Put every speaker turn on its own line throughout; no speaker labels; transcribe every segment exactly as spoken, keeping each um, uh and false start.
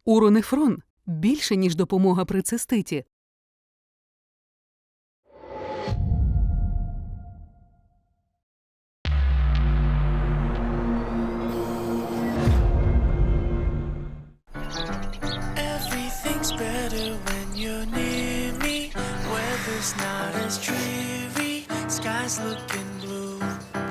Уронефрон – більше, ніж допомога при циститі.
Everything's better when you're near me. Weather's not as dreary. Sky's looking blue.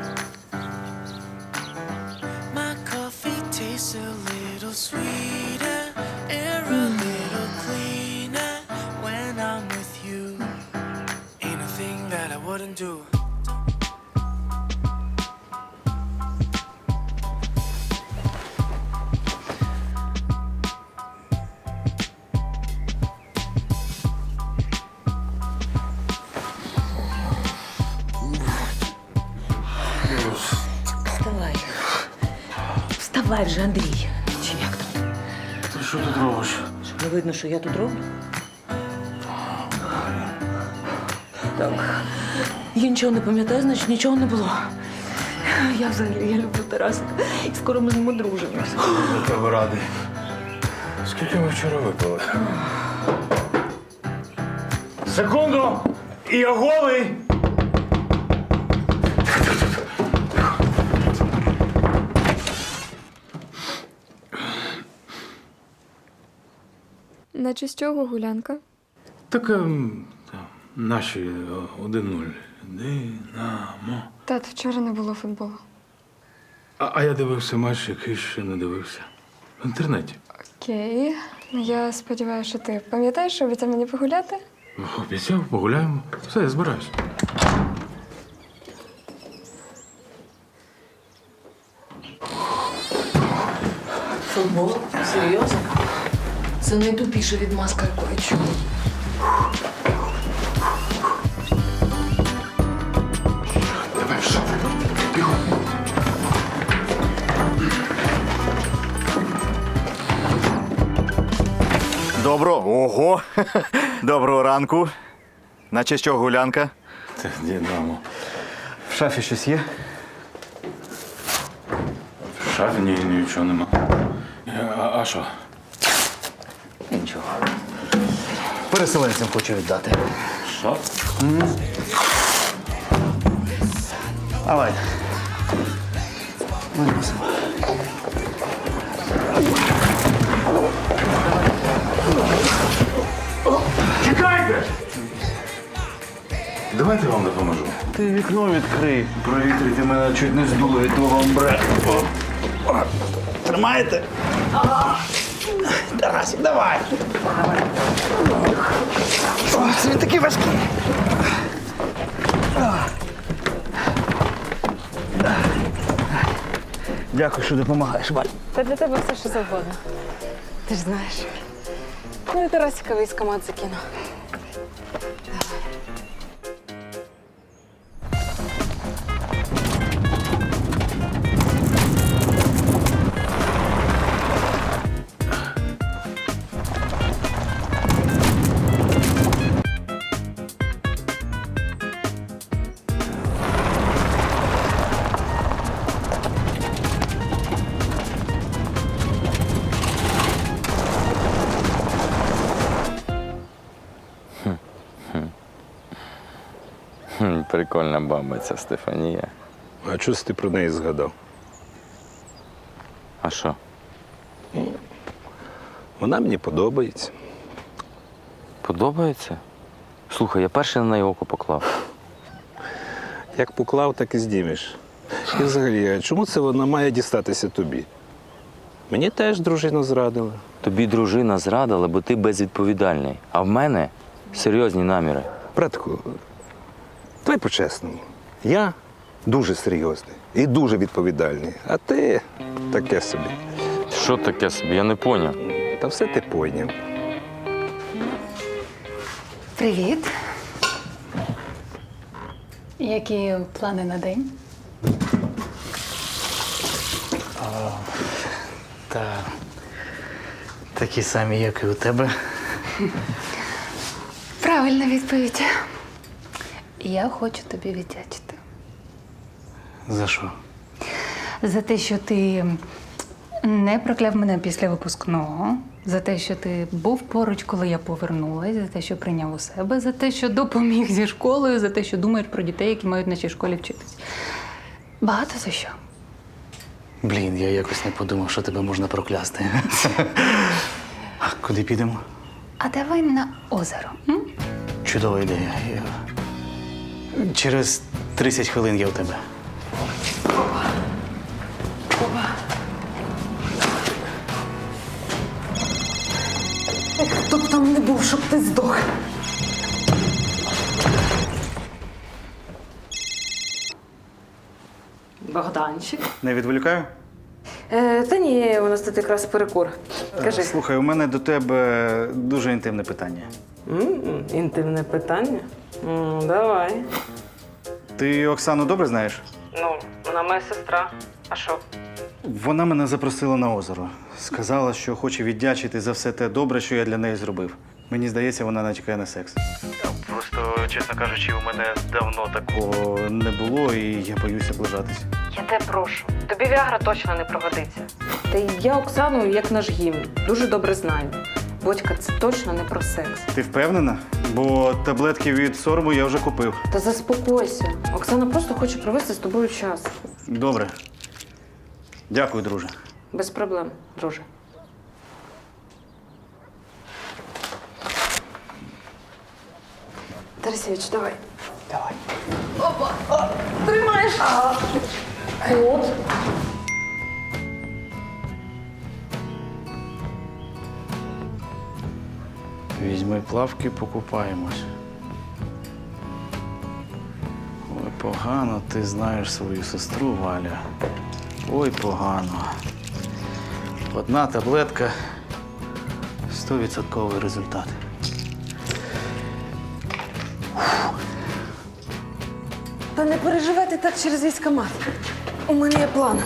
My coffee tastes a little sweeter. Air a little cleaner when I'm with you. Ain't a thing that I wouldn't do.
Вставай. Вставай вже, Андрій. Чи як там?
Ти що тут робиш?
Що, не видно, що я тут роблю? Так. Я нічого не пам'ятаю, значить нічого не було. Я взагалі, я люблю Тарасика. І скоро ми з ним одружимося.
Я тебе радий. Скільки ми вчора випили? Секунду! І я голий!
Наче з чого гулянка?
Так ем, та, наші е, один нуль. Динамо.
Тат, вчора не було футболу.
А, а я дивився матч, який ще не дивився. В інтернеті.
Окей. Я сподіваюся, що ти пам'ятаєш, що обіцяв мені погуляти?
Обіцяв, погуляємо. Все, я збираюсь.
Футбол? Серйозно? Це найтупіша відмазка, яку я чула.
Давай в шафу. Бігом.
Доброго. Ого! Доброго ранку. Наче що гулянка?
Та, Динамо.
В шафі щось є?
В шафі ні, нічого нема. А, а що?
Нічого. Переселенцям хочу віддати.
Що?
Давай. Виносимо.
Чекайте! Давайте я вам допоможу.
Ти вікно відкрий. Провітрити мене чуть не здуло від твого амбре. О. О. Тримаєте? Тарасик, давай. О, це він такий важкий. Дякую, що допомагаєш, Валь.
Та для тебе все, що завгодно. Ти ж знаєш. Ну і Тарасика військомат закину.
Хм, прикольна баба ця Стефанія.
А чого ти про неї згадав?
А що?
Вона мені подобається.
Подобається? Слухай, я перший на неї око поклав.
Як поклав, так і здімеш. І взагалі, а чому це вона має дістатися тобі? Мені теж дружина зрадила.
Тобі дружина зрадила, бо ти безвідповідальний. А в мене серйозні наміри.
Братку, давай по-чесному. Я дуже серйозний і дуже відповідальний, а ти таке собі.
Що таке собі? Я не поняв.
Та все ти пойняв.
Привіт. Які плани на день?
Та такі самі, як і у тебе.
Правильна відповідь. Я хочу тобі віддячити.
За що?
За те, що ти не прокляв мене після випускного, за те, що ти був поруч, коли я повернулась, за те, що прийняв у себе, за те, що допоміг зі школою, за те, що думаєш про дітей, які мають в нашій школі вчитись. Багато за що.
Блін, я якось не подумав, що тебе можна проклясти. А куди підемо?
А давай на озеро. М?
Чудова ідея. Я- Через тридцять хвилин я у тебе.
Хто б там не був, щоб ти здох.
Богданчик.
Не відволікаю?
Е, та ні, у нас тут якраз перекур. Кажи.
Слухай, у мене до тебе дуже інтимне питання.
М-м, інтимне питання? М, давай.
Ти Оксану добре знаєш?
Ну, вона моя сестра. А що?
Вона мене запросила на озеро. Сказала, що хоче віддячити за все те добре, що я для неї зробив. Мені здається, вона натякає на секс. Просто, чесно кажучи, у мене давно такого не було, і я боюся ближатись.
Я тебе прошу. Тобі Віагра точно не пригодиться. Та й я Оксану, як наш гімн, дуже добре знаю. Бодька, це точно не про секс.
Ти впевнена? Бо таблетки від сорому я вже купив.
Та заспокойся. Оксана просто хоче провести з тобою час.
Добре. Дякую, друже.
Без проблем, друже. Тарасевич, давай.
Давай.
Тримаєш. От.
Візьми плавки, покупаємось. Ой, погано ти знаєш свою сестру, Валя. Ой, погано. Одна таблетка – стовідсотковий результат.
Та не переживайте так через військкомат. У мене є план.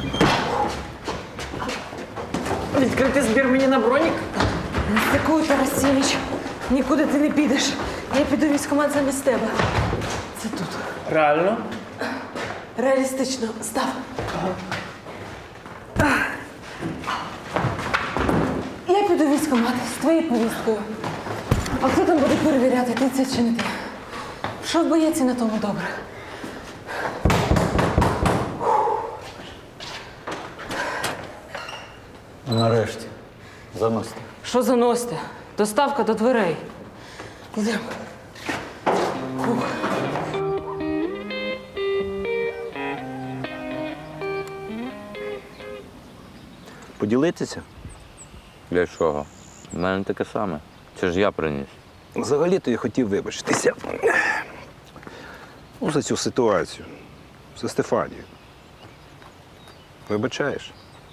Відкрити збір мені на бронік? Дякую, Тарасевич. Нікуди ти не підеш. Я піду в військкомат замість тебе. Це тут.
Реально?
Реалістично. Став. Я піду в військкомат з твоєю повісткою. А хто там буде перевіряти, ти це чи не ти? Що в боєці на тому добре?
Нарешті. Заносите.
Що заносите? Доставка до дверей. Йдемо.
Поділитися?
Для чого? У мене таке саме. Це ж я приніс.
Взагалі-то я хотів вибачитися. Ну, за цю ситуацію. За Стефанію. Вибачаєш?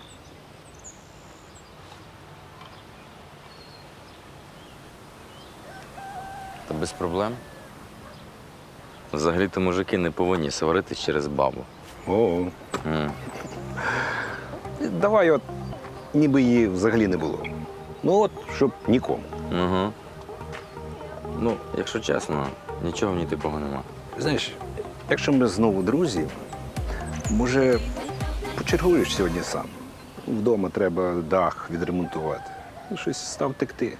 Та без проблем. Взагалі-то мужики не повинні сваритись через бабу.
О,
М.
давай от, ніби її взагалі не було. Ну от, щоб нікому.
Угу. Ну, якщо чесно, нічого в ній такого нема.
Знаєш, якщо ми знову друзі, може, почергуєш сьогодні сам. Вдома треба дах відремонтувати. Ну, щось став текти.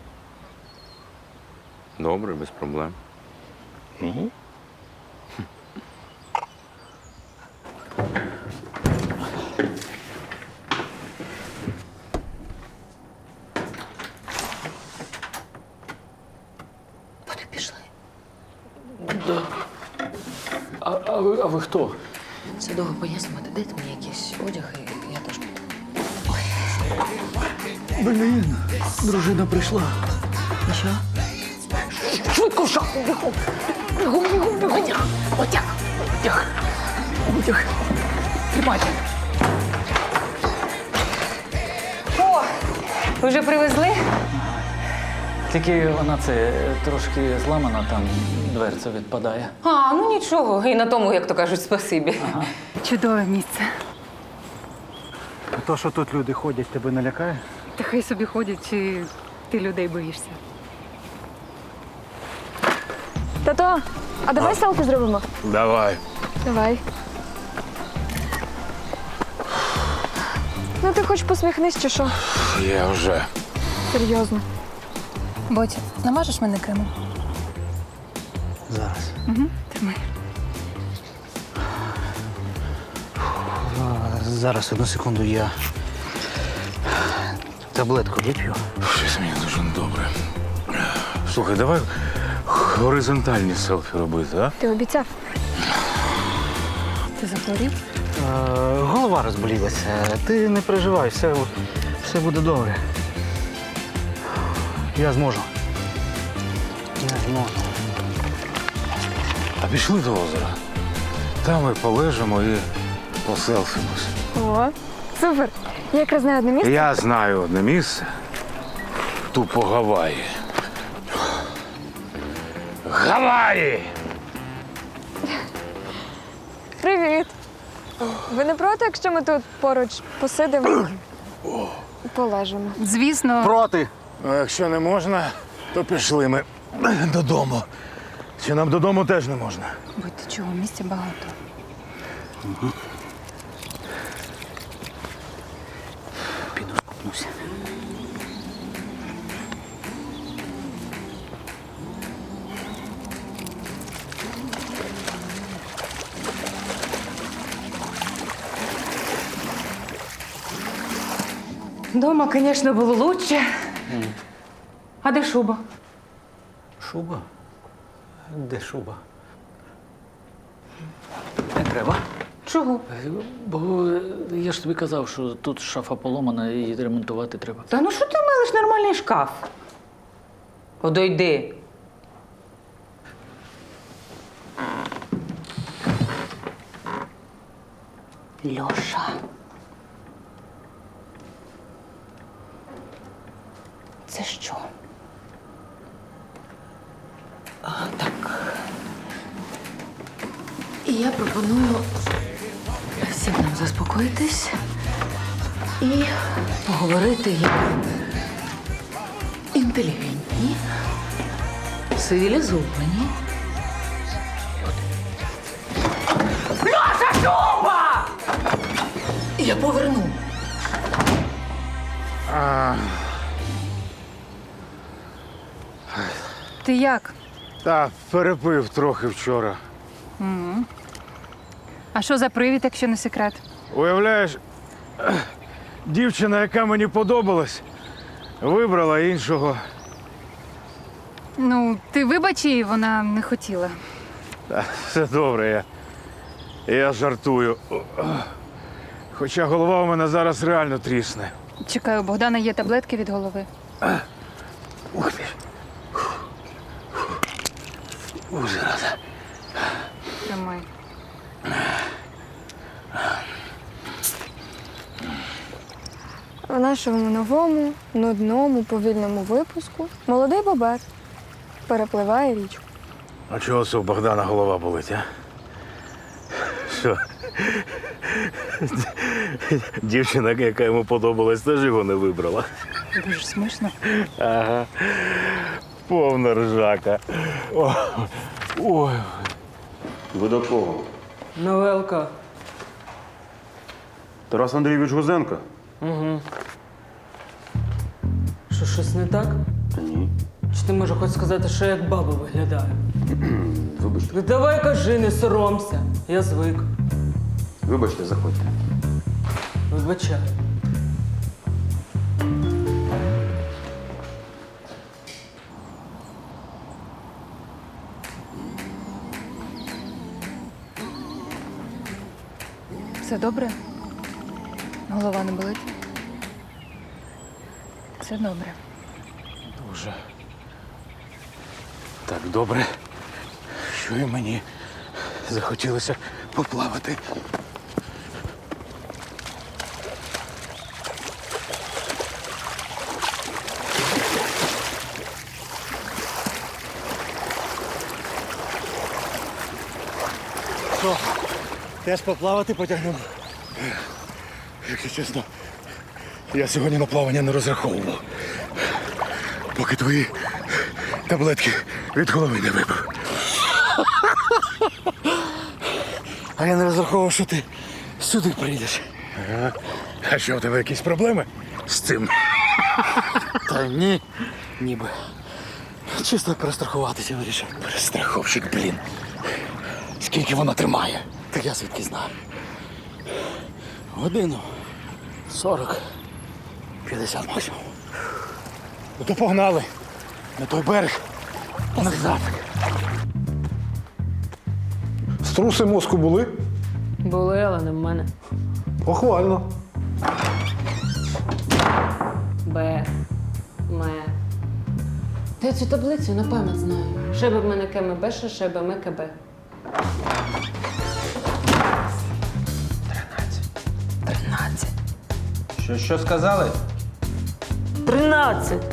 Добре, без проблем.
Угу.
Вони пішли.
А, а, ви, а ви хто?
Це довго пояснювати. Дайте мені якийсь одяг, і я теж піду.
Блін, дружина прийшла.
І що? Швидко в шахту, бігом! Бігом, бігом, бігом! Одяг! Одяг! Одяг! Одяг! Тримайте! О! Ви вже привезли?
Тільки вона це трошки зламана, там дверця відпадає.
А, ну нічого. І на тому, як то кажуть, спасибі.
Чудове місце.
То, що тут люди ходять, тебе не лякає?
Та хай собі ходять, чи ти людей боїшся.
Тато, а давай селфі зробимо?
Давай.
Давай. Ну ти хоч посміхнись чи що?
Я вже.
Серйозно.
Ботя, намажеш мене кремом?
Зараз.
Угу. Тримай.
А, Зараз, одну секунду, я таблетку вип'ю.
Щось мені дуже добре. Слухай, давай горизонтальні селфі робити, а?
Ти обіцяв.
Ти захворів?
Е, голова розболілася. Ти не переживай, все, все буде добре. Я зможу. Я зможу.
А пішли до озера. Там ми полежимо і поселфимось.
О, супер. Я якраз знаю одне місце.
Я знаю одне місце. Тупо Гаваї. Гаваї!
Привіт. Ви не проти, якщо ми тут поруч посидимо? Полежимо.
Звісно.
Проти!
Ну, якщо не можна, то пішли ми додому. Чи нам додому теж не можна?
Будь ти чого, місця багато.
Піду скупнуся.
Дома, звісно, було лучше. А де шуба?
Шуба? Де шуба? Не треба.
Чого?
Бо я ж тобі казав, що тут шафа поломана і її ремонтувати треба.
Та ну що ти милиш нормальний шкаф? Подойди. Льоша. Це що? А, так. І я пропоную всім нам заспокоїтись і поговорити як інтелігентні, цивілізовані. Льоша, шуба! Я поверну.
Ти як?
Та перепив трохи вчора.
А що за привід, якщо не секрет?
Уявляєш, дівчина, яка мені подобалась, вибрала іншого.
Ну, ти вибач її, вона не хотіла.
Та, все добре, я, я жартую. Хоча голова у мене зараз реально трісне.
Чекаю, у Богдана є таблетки від голови.
Ух ти. Ух, зараза.
Тримай.
В нашому новому, нудному, повільному випуску молодий бобер перепливає річку.
А чого це у Богдана голова болить, а? Що? Дівчина, яка йому подобалась, теж його не вибрала.
Дуже смішно.
Ага. Повна ржака. О, ой.
Ви до кого?
Новелка.
Тарас Андрійович Гузенко?
Угу. Що, щось не так?
Та ні.
Чи ти можеш хоч сказати, що я як баба виглядаю?
Вибачте.
Ну давай кажи, не соромся. Я звик.
Вибачте, заходьте.
Вибачай.
Все добре? Голова не болить? Все добре.
Дуже. Так добре, що і мені захотілося поплавати.
Що? Теж поплавати потягнемо?
Якщо чесно, я сьогодні на плавання не розраховував. Поки твої таблетки від голови не випив.
А я не розраховував, що ти сюди прийдеш.
А що, у тебе якісь проблеми з цим?
Та ні, ніби. Чисто перестрахуватися вирішив.
Перестраховщик, блін. Скільки воно тримає?
Так я звідки знаю. Годину. Сорок. П'ятдесят максимум.
Ну то погнали. На той берег.
Назад.
Струси мозку були?
Були, але не в мене.
Похвально.
Б. Ме. Та я цю таблицю на пам'ять знаю. Шеби в мене КМБ, ще шеби ми КБ.
Тринадцять. Що, що сказали?
Тринадцять!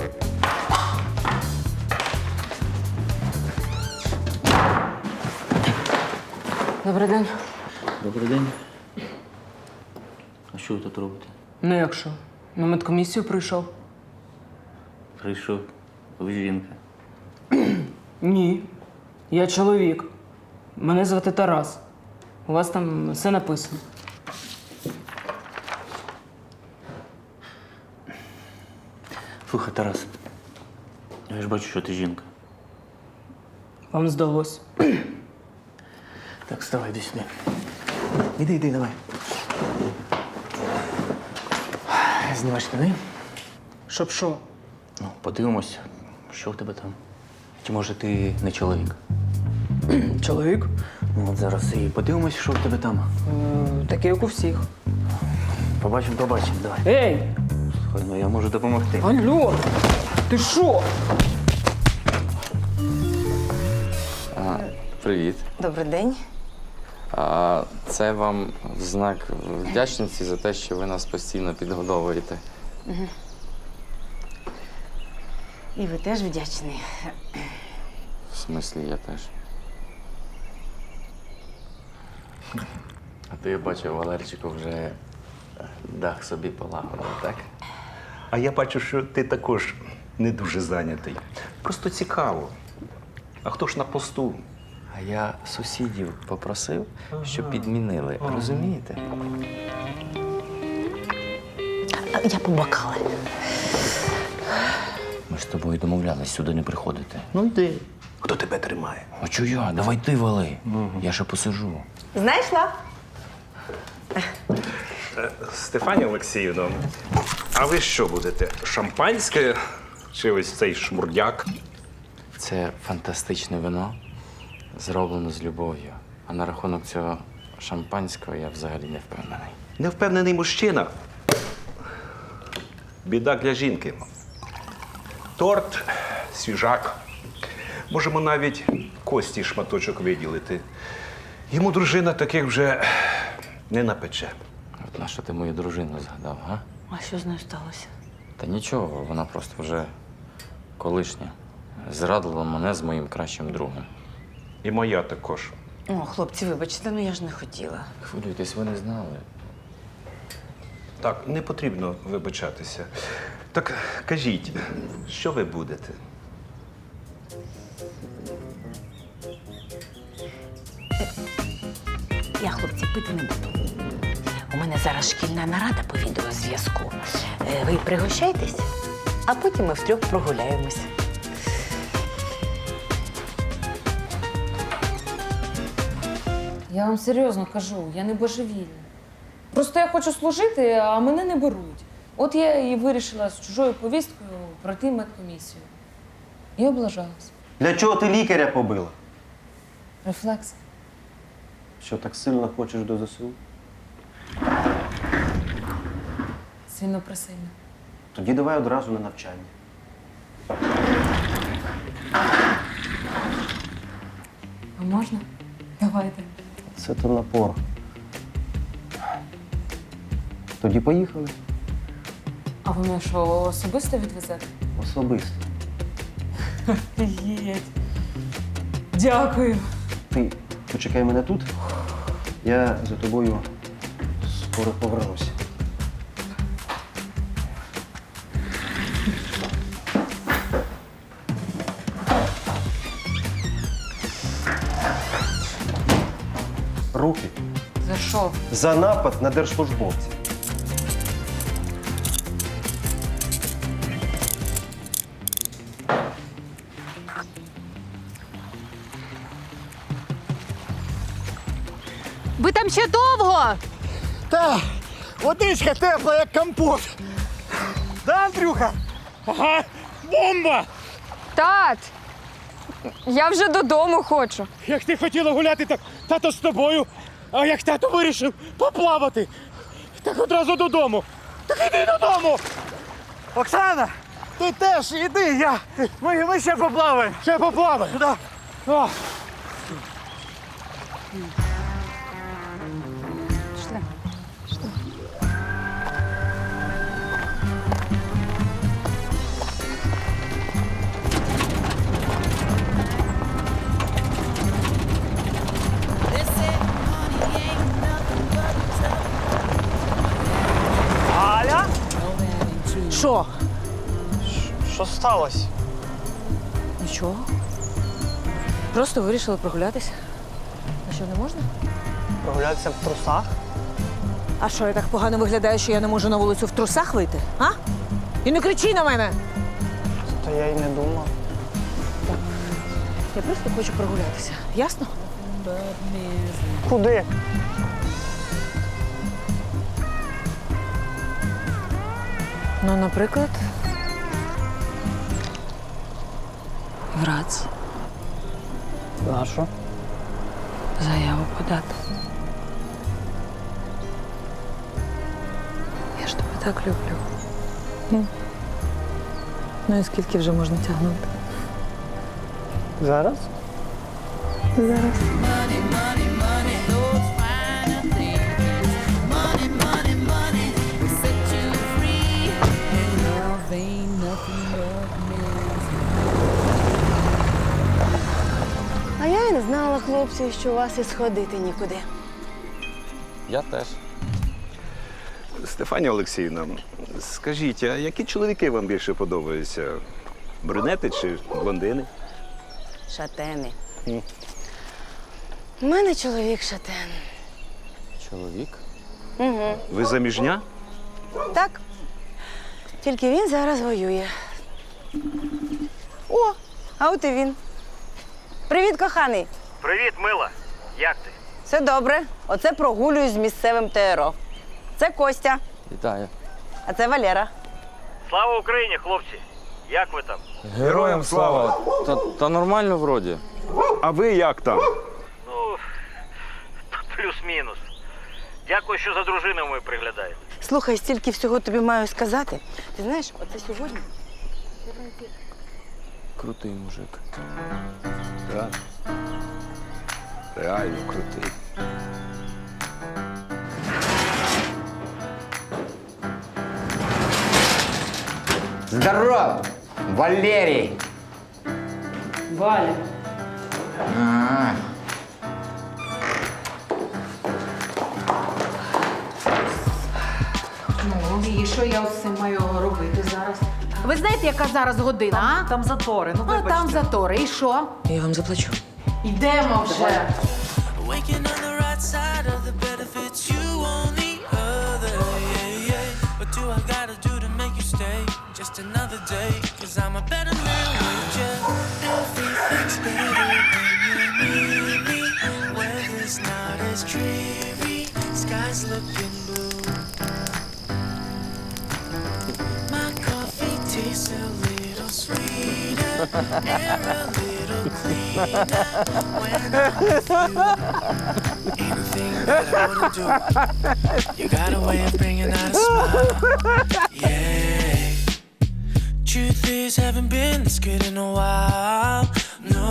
Добрий день.
Добрий день. А що ви тут робите?
Ну як що? На медкомісію прийшов?
Прийшов. Ви жінка.
Ні. Я чоловік. Мене звати Тарас. У вас там все написано.
Слухай, Тарас. Я ж бачу, що ти жінка.
Вам здалось.
Так, вставай, йди сюди. Іди, іди, давай. Знімай штани.
Щоб що?
Ну, подивимось, що в тебе там. Чи може ти не чоловік?
Чоловік?
Ну, от зараз і подивимось, що в тебе там.
Е, такий, як у всіх.
Побачимо, побачимо, давай.
Ей!
Слухай, ну я можу допомогти.
Алло! Ти що?
А, привіт.
Добрий день.
А, це вам в знак вдячності за те, що ви нас постійно підгодовуєте.
Угу. І ви теж вдячний.
В смислі, я теж. А то я бачу, Валерчику вже дах собі полагодив, так?
А я бачу, що ти також не дуже зайнятий. Просто цікаво. А хто ж на посту?
А я сусідів попросив, щоб підмінили. Розумієте?
Я побакала.
Ми ж з тобою домовлялись сюди не приходити.
Ну йди. Хто тебе тримає?
А чого я? Давай ти вали. Я ще посижу.
Знайшла?
Стефанія Олексіївна, а ви що будете? Шампанське чи ось цей шмурдяк?
Це фантастичне вино, зроблено з любов'ю. А на рахунок цього шампанського я взагалі не впевнений.
Невпевнений мужчина. Біда для жінки. Торт, свіжак. Можемо навіть кості шматочок виділити. Йому дружина таких вже не напече.
От на що ти мою дружину згадав, га?
А що з нею сталося?
Та нічого, вона просто вже колишня. Зрадила мене з моїм кращим другом.
І моя також.
О, хлопці, вибачте, ну я ж не хотіла.
Хвилюйтесь, ви не знали.
Так, не потрібно вибачатися. Так кажіть, що ви будете?
Я, хлопці, пити не буду. У мене зараз шкільна нарада по відеозв'язку. Е, Ви пригощайтесь, а потім ми втрьох прогуляємось.
Я вам серйозно кажу, я не божевільна. Просто я хочу служити, а мене не беруть. От я і вирішила з чужою повісткою пройти медкомісію. І облажалась.
Для чого ти лікаря побила?
Рефлекс.
Що так сильно хочеш до ЗСУ?
Сильно присильно.
Тоді давай одразу на навчання.
А можна? Давайте.
Це то напор. Тоді поїхали.
А ви мене що, особисто відвезете?
Особисто.
Єть. Дякую.
Ти почекай мене тут. Я за тобою скоро повернуся. Руки
За що?
за напад на держслужбовців.
Ви там ще довго?
Та, водичка тепла, як компот. Да, Андрюха? Ага, бомба!
Тат! Я вже додому хочу.
Як ти хотіла гуляти, так тато з тобою. А як тато вирішив поплавати, так одразу додому. Так іди додому! Оксана, ти теж іди, я. Ми, ми ще поплаваємо. Ще поплаваємо, так. Да.
Пішли.
Аля?
Що?
Що сталося?
Нічого. Просто вирішили прогулятися. А що, не можна?
Прогулятися в трусах?
А що, я так погано виглядаю, що я не можу на вулицю в трусах вийти? А? І не кричи на мене!
Та я й не думав.
Я просто хочу прогулятися. Ясно?
Куди?
Ну, наприклад, в РАЦ
А що?
заяву подати. Я ж тебе так люблю. Ну, ну і скільки вже можна тягнути?
Зараз?
Зараз.
А я і не знала, хлопці, що у вас і сходити нікуди.
Я теж.
Стефанія Олексіївна, скажіть, а які чоловіки вам більше подобаються? Брюнети чи блондини?
Шатени. У мене чоловік шатен.
Чоловік?
Угу.
Ви заміжня?
Так. Тільки він зараз воює. О, а от і він. Привіт, коханий.
Привіт, мила. Як ти?
Все добре. Оце прогулююсь з місцевим ТРО. Це Костя,
Вітаю.
а це Валера.
Слава Україні, хлопці! Як ви там?
Героям слава! Та, та нормально вроді.
А ви як там?
Ну, плюс-мінус. Дякую, що за дружиною ви приглядаєте.
Слухай, стільки всього тобі маю сказати. Ти знаєш, оце сьогодні.
Крутий мужик.
Так. Реально крутий.
Здоров, Валерий!
Валя.
А,
Ну, і що я з цим маю робити зараз?
Ви знаєте, яка зараз година? а?
Там затори, ну
Ну, там затори. І що?
Я вам заплачу.
Йдемо вже.
Waking on the right side of the bed if it's you on the other. Yeah, yeah. What do I gotta do to make you stay? Just another day, cause I'm a better man with you. Everything's better when you need me. Weather's not as dreary, sky's looking blue. My coffee tastes a little sweeter, air a little cleaner when I'm with you. Ain't a thing that I wouldn't do. You got a way of bringing out a smile. Yeah. Truth is, haven't been this good in a while. No.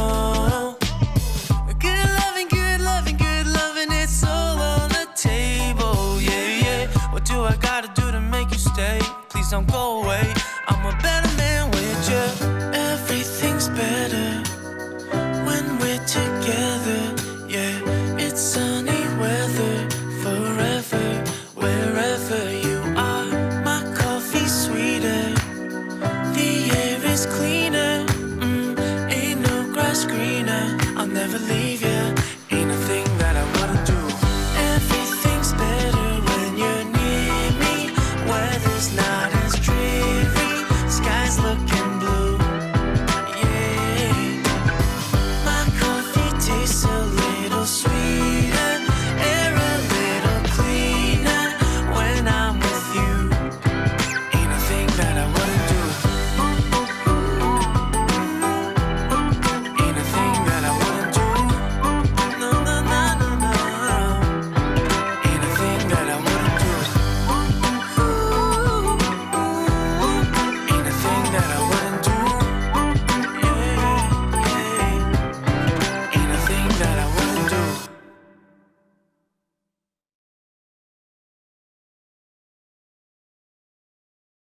Good loving, good loving, good loving, it's all on the table. Yeah, yeah. What do I gotta do to make you stay? Please don't go away. I'm a better man with you. Everything's better when we're together. Yeah, it's sunny weather forever. Wherever you are, my coffee's sweeter. The air is cleaner. Mm, ain't no grass greener. I'll never leave.